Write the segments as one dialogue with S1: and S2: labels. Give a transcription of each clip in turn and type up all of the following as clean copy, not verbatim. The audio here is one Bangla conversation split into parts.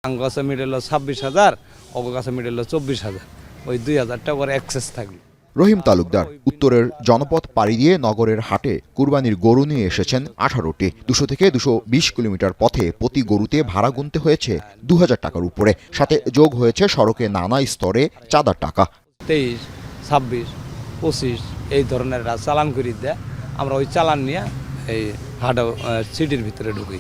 S1: গাছে মিডল 26,000, অগ গাছে মিডল 24,000, ওই 2,000 টাকা করে এক্সেস থাকলো।
S2: রহিম তালুকদার উত্তরের জনপথ পাড়ি দিয়ে নগরের হাটে কুরবানির গরু নিয়ে এসেছেন 18টি। 200 থেকে 220 কিলোমিটার পথে প্রতি গরুতে ভাড়া গুনতে হয়েছে 2,000 টাকার উপরে, সাথে যোগ হয়েছে সড়কে নানা স্তরে চাঁদার টাকা।
S1: 23, 26, 25 এই ধরনের চালান করে দেয়, আমরা ওই চালান নিয়ে এই হাট সিটির ভিতরে ঢুকি।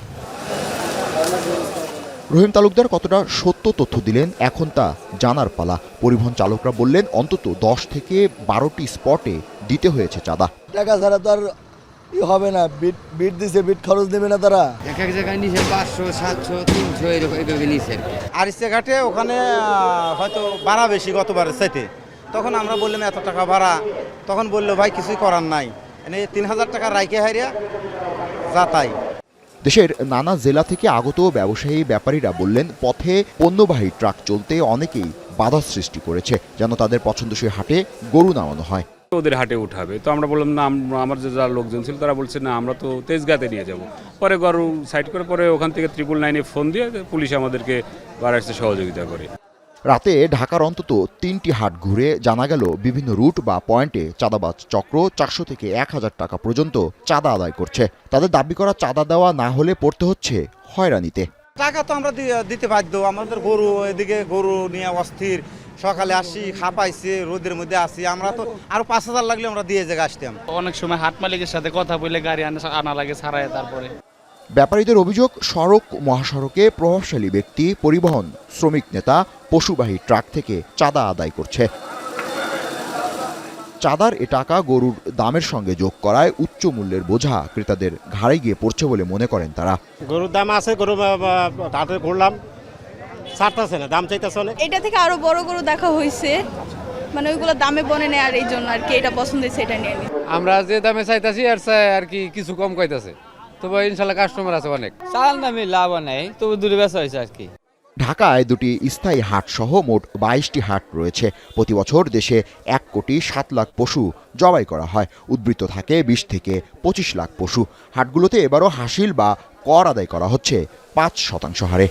S2: রহিম তালুকদার কতটা সত্য তথ্য দিলেন এখন তা জানার পালা। পরিবহন চালকরা বললেন অন্তত 10 থেকে 12টি স্পটে দিতে হয়েছে চাঁদা।
S3: টাকা ছাড়া তো আর হবে না, বিট দিছে, বিট খরচ দেবে না তারা।
S4: এক এক জায়গায় নিচে 500, 700, 300 এরকম এইভাবে নিচে।
S5: আরিসে ঘাটে ওখানে হয়তো ভাড়া বেশি গতবারের চাইতে, তখন আমরা বললাম এত টাকা ভাড়া, তখন বললো ভাই কিছুই করার নাই, 3,000 টাকা রাইকে হারিয়া যা তাই।
S2: দেশের নানা জেলা থেকে আগত ব্যবসায়ী ব্যাপারীরা বললেন পথে পণ্যবাহী ট্রাক চলতে অনেকেই বাধা সৃষ্টি করেছে, যেন তাদের পছন্দসই হাটে গরু নামানো হয়।
S6: ওদের হাটে উঠাবে, তো আমরা বললাম না, আমার যে যারা লোকজন ছিল তারা বলছে না আমরা তো তেজগাঁতে নিয়ে যাব। পরে গরু সাইড করে পরে ওখান থেকে 999-এ ফোন দিয়ে পুলিশ আমাদেরকে বাড়াইতে সহযোগিতা করে।
S2: রাতে ঢাকার অন্তত 3টি হাট ঘুরে জানা গেল বিভিন্ন রুট বা পয়েন্টে চাঁদাবাজ চক্র 400 থেকে 1,000 টাকা পর্যন্ত চাঁদা আদায় করছে। তাদের দাবি করা চাঁদা দেওয়া না হলে পড়তে হচ্ছে হয়রানিতে।
S5: টাকা তো আমরা দিতে বাধ্য, আমাদের গরু এদিকে গরু নিয়ে অস্থির, সকালে আসি খাপাইছে, রোদের মধ্যে আসি, আমরা তো আরো 5,000 লাগলে আমরা দিয়ে জায়গা আসতাম।
S7: অনেক সময় হাট মালিকের সাথে কথা বলে গাড়ি আনা লাগে ছাড়ায়। তারপরে
S2: ব্যাপারীদের অভিযোগ, সড়ক মহাসড়কে প্রভাবশালী ব্যক্তি, পরিবহন শ্রমিক নেতা পশুবাহী ট্রাক থেকে চাঁদা আদায় করছে। চাঁদার এ টাকা গরুর দামের সঙ্গে যোগ করায় উচ্চ মূল্যের বোঝা ক্রেতাদের ঘাড়ে গিয়ে পড়ছে বলে মনে করেন তারা।
S8: গরুর দাম আছে, গরু হাটে ঘুরলাম, ছাড়তেছে না, দাম চাইতেছে অনেক।
S9: এটা থেকে আরো বড় গরু দেখা হয়েছে, মানে ওইগুলো দামে বনে নেয়, আর এই জন্য আর কি এটা পছন্দ হয়েছে, এটা নিয়ে নি।
S4: আমরা যে দামে চাইতাছি আর কি কিছু কম কইতাছে, তবে ইনশাল্লাহ কাস্টমার আছে অনেক।
S7: চাল দামে লাভ নেই, তবে দূরে বেচা হয়েছে আর কি।
S2: ঢাকায় 2টি স্থায়ী হাট সহ মোট 22টি হাট রয়েছে। প্রতি বছর দেশে 1,07,00,000 পশু জবাই করা হয়। উদ্বৃত্ত থাকে 20 থেকে 25 লাখ পশু। হাটগুলোতে এবারও হাসিল বা কর আদায় করা হচ্ছে 5% হারে।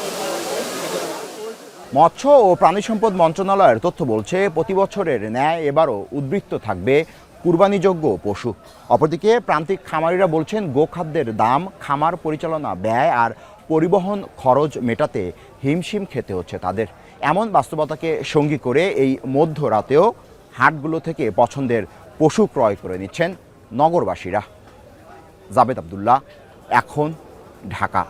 S2: মৎস্য ও প্রাণী সম্পদ মন্ত্রণালয়ের তথ্য বলছে প্রতি বছরের ন্যায় এবারও উদ্বৃত্ত থাকবে কুরবানিযোগ্য পশু। অপরদিকে প্রান্তিক খামারিরা বলছেন গোখাদ্যের দাম, খামার পরিচালনা ব্যয় আর পরিবহন খরচ মেটাতে হিমশিম খেতে হচ্ছে তাদের। এমন বাস্তবতাকে সঙ্গী করে এই মধ্যরাতেও হাটগুলো থেকে পছন্দের পশু ক্রয় করে নিচ্ছেন নগরবাসীরা। জাবেদ আব্দুল্লাহ, এখন, ঢাকা।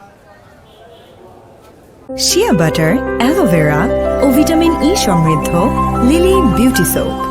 S10: শিয়া বাটার, অ্যালোভেরা ও ভিটামিন ই সমৃদ্ধ লিলি বিউটি সোপ।